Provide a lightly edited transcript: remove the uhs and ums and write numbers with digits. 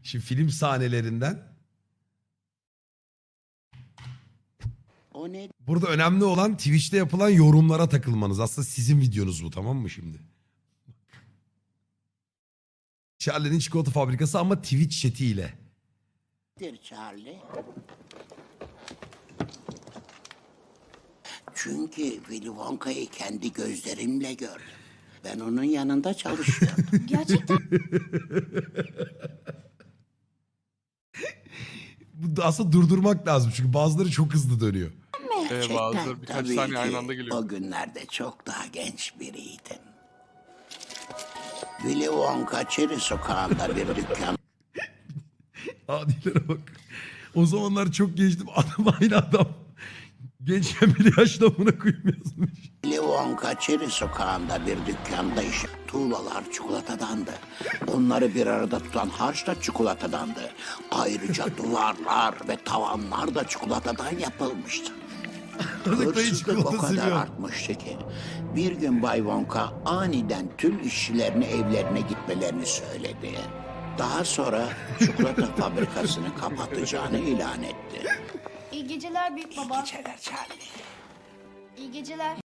Şimdi film sahnelerinden. O ne Burada önemli olan Twitch'te yapılan yorumlara takılmanız. Aslında sizin videonuz bu, tamam mı şimdi? Charlie'nin çikolata fabrikası ama Twitch chat'iyle. nedir Charlie? Çünkü Willy Wonka'yı kendi gözlerimle gördüm. Ben onun yanında çalışıyordum. Gerçekten Bu da aslında durdurmak lazım çünkü bazıları çok hızlı dönüyor. Bazıları birkaç Tabii saniye ki aynı anda geliyor. o günlerde çok daha genç biriydim. Willy Wonka Çeri Sokağı'nda bir dükkan Adilere bak. O zamanlar çok gençtim. Adam aynı adam. Gençken bile yaşlı amına koyayım yazmış. Willy Wonka Çeri Sokağı'nda bir dükkanda iş. Tuğlalar çikolatadandı. Onları bir arada tutan harç da çikolatadandı. Ayrıca duvarlar ve tavanlar da çikolatadan yapılmıştı. Dayı Hırsızlık o çikolata kadar seviyor. artmıştı ki bir gün Bay Wonka aniden tüm işçilerine evlerine gitmelerini söyledi. Daha sonra çikolata fabrikasını kapatacağını ilan etti. iyi geceler büyük baba. Geceler Charlie. İyi geceler.